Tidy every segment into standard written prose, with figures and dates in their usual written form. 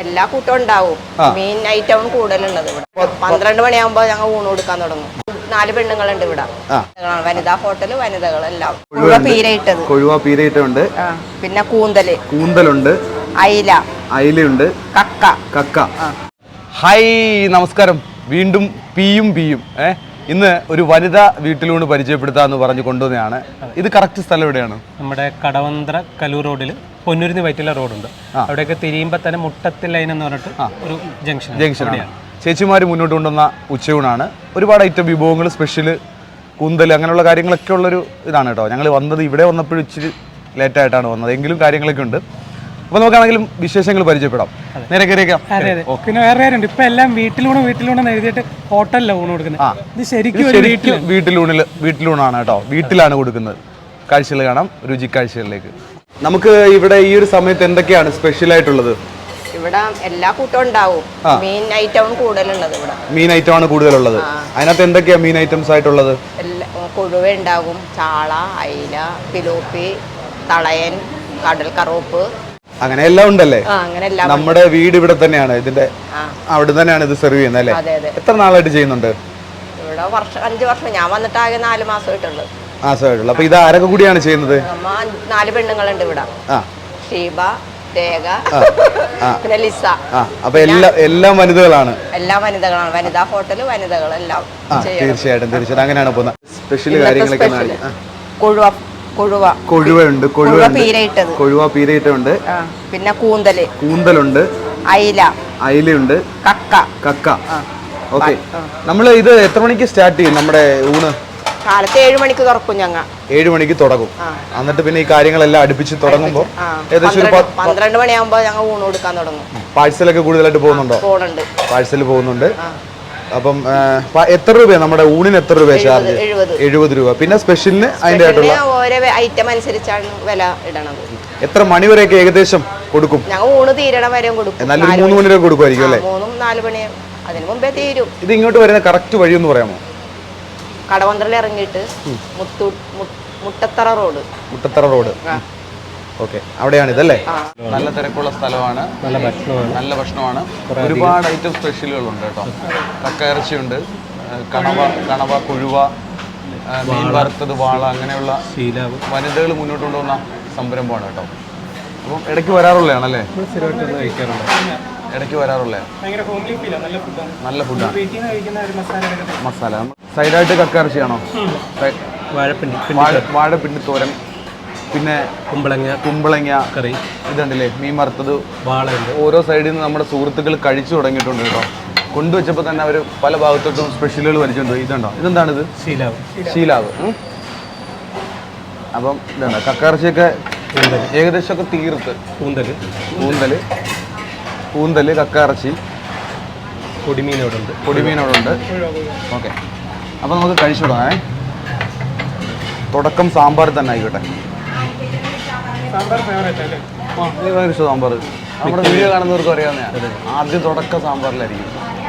എല്ലാ കൂട്ടവും ഉണ്ടാവും. മീൻ ഐറ്റവും കൂടുതലുള്ളത് ഇവിടെ. 12 മണിയാകുമ്പോ ഞങ്ങൾ ഊണ് കൊടുക്കാൻ തുടങ്ങും. 4 പെണ്ണുങ്ങളുണ്ട് ഇവിടെ. വനിതാ ഹോട്ടല്, വനിതകളെല്ലാം. കൊഴുവ പീരയിട്ടുണ്ട്. പിന്നെ കൂന്തലുണ്ട്, അയിലുണ്ട്, കക്ക. ഹായ്, നമസ്കാരം. വീണ്ടും പിയും ഇന്ന് ഒരു വനിതാ വീട്ടിലൂണ് പരിചയപ്പെടുത്താന്ന് പറഞ്ഞു കൊണ്ടുവന്നതാണ്. ഇത് കറക്റ്റ് സ്ഥലം എവിടെയാണ്? നമ്മുടെ കടവന്ത്ര കലൂർ റോഡിൽ പൊന്നൂരിന്ന് വൈറ്റില റോഡുണ്ട്. അവിടെയൊക്കെ തിരിയുമ്പോൾ തന്നെ മുട്ടത്തിൽ ലൈൻ എന്ന് പറഞ്ഞിട്ട് ഒരു ജംഗ്ഷനാണ്. ചേച്ചിമാർ മുന്നോട്ട് കൊണ്ടുവന്ന ഉച്ചയൂണാണ്. ഒരുപാട് ഐറ്റം വിഭവങ്ങൾ, സ്പെഷ്യല്, കൂന്തൽ, അങ്ങനെയുള്ള കാര്യങ്ങളൊക്കെ ഉള്ളൊരു ഇതാണ് കേട്ടോ. ഞങ്ങൾ വന്നത് ഇവിടെ വന്നപ്പോഴും ഇച്ചിരി ലേറ്റായിട്ടാണ് വന്നത്, എങ്കിലും കാര്യങ്ങളൊക്കെ ഉണ്ട്. അപ്പോൾ നമുക്കാണെങ്കിലും വിശേഷങ്ങൾ പരിചയപ്പെടാം. നേരെ കയറിയേക്കാം. പിന്നെ വേറെ കാര്യമുണ്ട്, ഇപ്പൊ എല്ലാം വീട്ടിലൂണ് എഴുതിയിട്ട് ഹോട്ടലിലാണ് ഊണ് കൊടുക്കുന്നത്. ഇത് ശരിക്കും വീട്ടിലൂണാണ് കേട്ടോ. വീട്ടിലാണ് കൊടുക്കുന്നത്. കാഴ്ചകൾ കാണാം, രുചിക്കാഴ്ചകളിലേക്ക്. നമുക്ക് ഇവിടെ ഈ ഒരു സമയത്ത് എന്തൊക്കെയാണ് സ്പെഷ്യൽ ആയിട്ടുള്ളത്? ഇവിടെ എല്ലാ കൂട്ടവും ഉണ്ടാവും. മീൻ ഐറ്റവും കൂടുതലുള്ളത് ഇവിടെ. മീൻ ഐറ്റം ആണ് കൂടുതലുള്ളത്. അതിനകത്ത് എന്തൊക്കെയാ മീൻ ഐറ്റംസ് ആയിട്ടുള്ളത്? കൊഴുവ ഉണ്ടാകും, ചാള, അയില, പിലോപ്പി, തളയൻ, കടൽ കറുപ്പ്, അങ്ങനെ എല്ലാം ഉണ്ടല്ലേ. നമ്മുടെ വീട് ഇവിടെ തന്നെയാണ്, ഇതിന്റെ അവിടെ തന്നെയാണ് ഇത് സെർവ് ചെയ്യുന്നത് അല്ലേ? എത്ര നാളായിട്ട് ചെയ്യുന്നുണ്ട് ഇവിടെ? 5 വർഷം. ഞാൻ വന്നിട്ട് ആകെ 4 മാസമായിട്ടുള്ളൂ. അപ്പൊ ഇത് ആരൊക്കെ കൂടിയാണ് ചെയ്യുന്നത്? 4 പെണ്ണുങ്ങളുണ്ട് ഇവിടെ. ഷീബ, രേഖ, പിന്നെ ലിസ. അപ്പൊ എല്ലാം വനിതകളാണ്. വനിതാ ഹോട്ടല്, വനിതകളെല്ലാം. തീർച്ചയായിട്ടും അങ്ങനെയാണ് പോകുന്നത്. സ്പെഷ്യൽ കാര്യങ്ങളൊക്കെ. കൊഴുവയുണ്ട്, കൊഴുവ പീരയിട്ടുണ്ട്. പിന്നെ കൂന്തലുണ്ട്, അയിലുണ്ട്, കക്ക. ഓക്കെ, നമ്മൾ ഇത് എത്ര മണിക്ക് സ്റ്റാർട്ട് ചെയ്യും? നമ്മുടെ ഊണ് കാലത്ത് 7 മണിക്ക് തുറക്കും. 7 മണിക്ക് തുടങ്ങും. എന്നിട്ട് പിന്നെ ഈ കാര്യങ്ങളെല്ലാം അടുപ്പിച്ച് തുടങ്ങുമ്പോൾ ഏകദേശം 12 മണിയാകുമ്പോ ഞങ്ങൾ ഊണ് കൊടുക്കാൻ തുടങ്ങും. പാഴ്സലൊക്കെ കൂടുതലായിട്ട് പോകുന്നുണ്ടോ? പാഴ്സൽ പോകുന്നുണ്ട്. അപ്പം എത്ര രൂപയാണ് നമ്മുടെ ഊണിന്? എത്ര രൂപ ചാർജ്? 70 രൂപ. പിന്നെ സ്പെഷ്യലിന് അതിന്റെ ആയിട്ടുള്ള ഓരോ ഐറ്റം അനുസരിച്ചാണ് വില ഇടണത്. എത്ര മണി വരെയൊക്കെ ഏകദേശം കൊടുക്കും? ഞങ്ങൾ ഊണ് തീരണം വരെയും കൊടുക്കും. എന്നാലും 3 മണി വരെ കൊടുക്കുമായിരിക്കും അല്ലേ? 3-4 മണി അതിന് മുമ്പേ തീരും. ഇത് ഇങ്ങോട്ട് വരുന്ന കറക്റ്റ് വഴി ഒന്ന് പറയാമോ? കടവന്ത്രയിൽ ഇറങ്ങിയിട്ട് മുട്ടത്തറ റോഡ്. ഓക്കെ, അവിടെയാണ് ഇതല്ലേ? നല്ല തിരക്കുള്ള സ്ഥലമാണ്, നല്ല ഭക്ഷണമാണ്. ഒരുപാട് ഐറ്റം സ്പെഷ്യലുകളുണ്ട് കേട്ടോ. കക്ക ഇറച്ചിയുണ്ട്, കണവ, കൊഴുവ, മീൻ വറുത്തത്, വാള, അങ്ങനെയുള്ള വനിതകൾ മുന്നോട്ട് കൊണ്ടുവന്ന സംരംഭമാണ് കേട്ടോ. അപ്പം ഇടയ്ക്ക് വരാറുള്ളതാണല്ലേ? ഇടയ്ക്ക് വരാറുള്ള നല്ല ഫുഡാണ്. മസാല സൈഡായിട്ട് കക്ക ഇറച്ചിയാണോ? വാഴപ്പിണ്ടി തോരൻ, പിന്നെ കുമ്പളങ്ങ കറി, ഇതുണ്ടല്ലേ മീൻ വറുത്തത്, വാളയുണ്ട്. ഓരോ സൈഡിൽ നിന്ന് നമ്മുടെ സുഹൃത്തുക്കൾ കഴിച്ചു തുടങ്ങിയിട്ടുണ്ട് കേട്ടോ. കൊണ്ടുവച്ചപ്പോൾ തന്നെ അവർ പല ഭാഗത്തോട്ടും സ്പെഷ്യലുകൾ വലിച്ചുകൊണ്ട്. ഇതുണ്ടോ? ഇതെന്താണിത്? ശീലാവ്. അപ്പം ഇതുണ്ട് കക്കയിറച്ചിയൊക്കെ ഏകദേശമൊക്കെ തീർത്ത്. കൂന്തല്, കക്കയിറച്ചി, പൊടിമീനോടുണ്ട്. ഓക്കെ, അപ്പം നമുക്ക് കഴിച്ചു തുടങ്ങാം. തുടക്കം സാമ്പാർ തന്നെ ആയിക്കോട്ടെ. സാമ്പാർ നമ്മുടെ വീഡിയോ കാണുന്നവർക്ക് അറിയാവുന്നതാണ്. ആദ്യം തുടക്കം സാമ്പാറിലായിരിക്കും.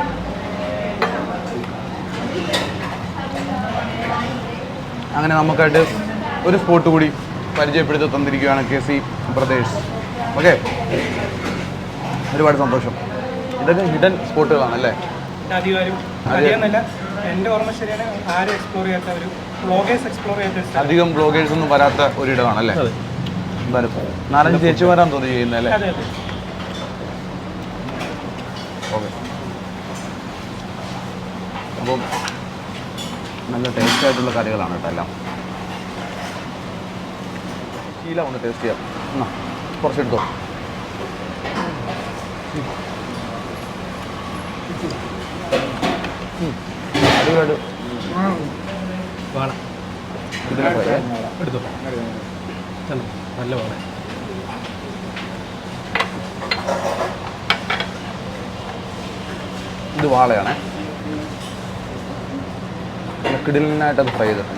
അങ്ങനെ നമുക്കായിട്ട് ഒരു സ്പോട്ട് കൂടി പരിചയപ്പെടുത്തി തന്നിരിക്കുകയാണ് KC ബ്രദേഴ്സ്. ഓക്കെ, ഒരുപാട് സന്തോഷം. ഇതൊക്കെ ഹിഡൻ സ്പോട്ടുകളാണല്ലേ? അധികം ബ്ലോഗേഴ്സ് ഒന്നും വരാത്ത ഒരിടമാണല്ലേ? എന്തായാലും 4-5 ചേച്ചിമാരാന്ന് തോന്നി ചെയ്യുന്നല്ലേ? ഓക്കെ, അപ്പം നല്ല ടേസ്റ്റ് ആയിട്ടുള്ള കറികളാണ് കേട്ടോ എല്ലാം. ശീല ഒന്ന് ടേസ്റ്റ് ചെയ്യാം. കുറച്ചെടുത്തോ. അടിപൊളിയായിട്ട് എടുത്തോ. നല്ല വാള. ഇത് വാളയാണേ. കിടിലിനായിട്ടത് ഫ്രൈ ചെയ്തിട്ടുണ്ട്.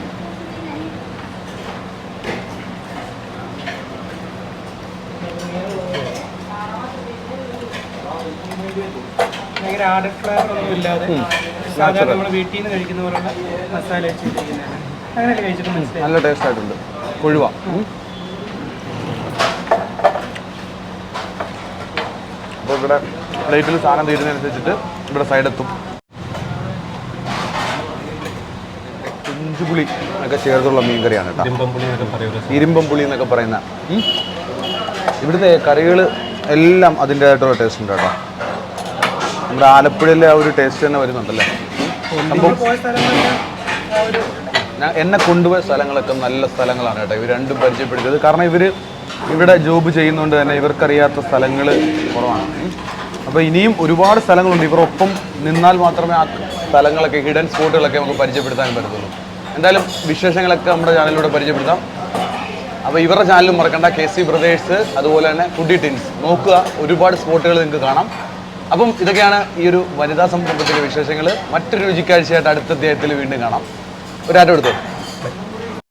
ഭയങ്കര ആഡഡ് ഫ്ലേവർ ഒന്നും ഇല്ലാതെ സാധാരണ നമ്മൾ വീട്ടിൽ നിന്ന് കഴിക്കുന്ന പോലുള്ള മസാല വെച്ചിരിക്കുന്നതാണ്. അങ്ങനെയല്ലേ കഴിച്ചിട്ട് മനസ്സിലായി? നല്ല ടേസ്റ്റ് ആയിട്ടുണ്ട്. കൊഴുവ അപ്പോൾ ഇവിടെ പ്ലേറ്റിൽ സാധനം തീരുന്നതനുസരിച്ചിട്ട് ഇവിടെ സൈഡെത്തും. ഇഞ്ചുപുളി ഒക്കെ ചേർത്തുള്ള മീൻ കറിയാണ് കേട്ടോ. ഇരുമ്പം പുളി എന്നൊക്കെ പറയുന്ന. ഇവിടുത്തെ കറികൾ എല്ലാം അതിൻ്റെതായിട്ടുള്ള ടേസ്റ്റ് ഉണ്ട് കേട്ടോ. നമ്മുടെ ആലപ്പുഴയിലെ ആ ഒരു ടേസ്റ്റ് തന്നെ വരുന്നുണ്ടല്ലേ. എന്നെ കൊണ്ടുപോയ സ്ഥലങ്ങളൊക്കെ നല്ല സ്ഥലങ്ങളാണ് കേട്ടോ. ഇവർ രണ്ടും പരിചയപ്പെടുത്തിയത്. കാരണം ഇവർ ഇവിടെ ജോബ് ചെയ്യുന്നതുകൊണ്ട് തന്നെ ഇവർക്കറിയാത്ത സ്ഥലങ്ങൾ കുറവാണ്. അപ്പോൾ ഇനിയും ഒരുപാട് സ്ഥലങ്ങളുണ്ട്. ഇവരൊപ്പം നിന്നാൽ മാത്രമേ ആ സ്ഥലങ്ങളൊക്കെ ഹിഡൻ സ്പോട്ടുകളൊക്കെ നമുക്ക് പരിചയപ്പെടുത്താൻ പറ്റത്തുള്ളൂ. എന്തായാലും വിശേഷങ്ങളൊക്കെ നമ്മുടെ ചാനലിലൂടെ പരിചയപ്പെടുത്താം. അപ്പോൾ ഇവരുടെ ചാനലും മറക്കണ്ട, KC ബ്രദേഴ്സ്, അതുപോലെ തന്നെ ഫുഡി ടിൻസ് നോക്കുക. ഒരുപാട് സ്പോട്ടുകൾ നിങ്ങൾക്ക് കാണാം. അപ്പം ഇതൊക്കെയാണ് ഈ ഒരു വനിതാ സംരംഭത്തിലെ വിശേഷങ്ങൾ. മറ്റൊരു രുചിക്കാഴ്ചയായിട്ട് അടുത്ത അധ്യായത്തിൽ വീണ്ടും കാണാം. ഒരാറ്റം എടുത്തോ.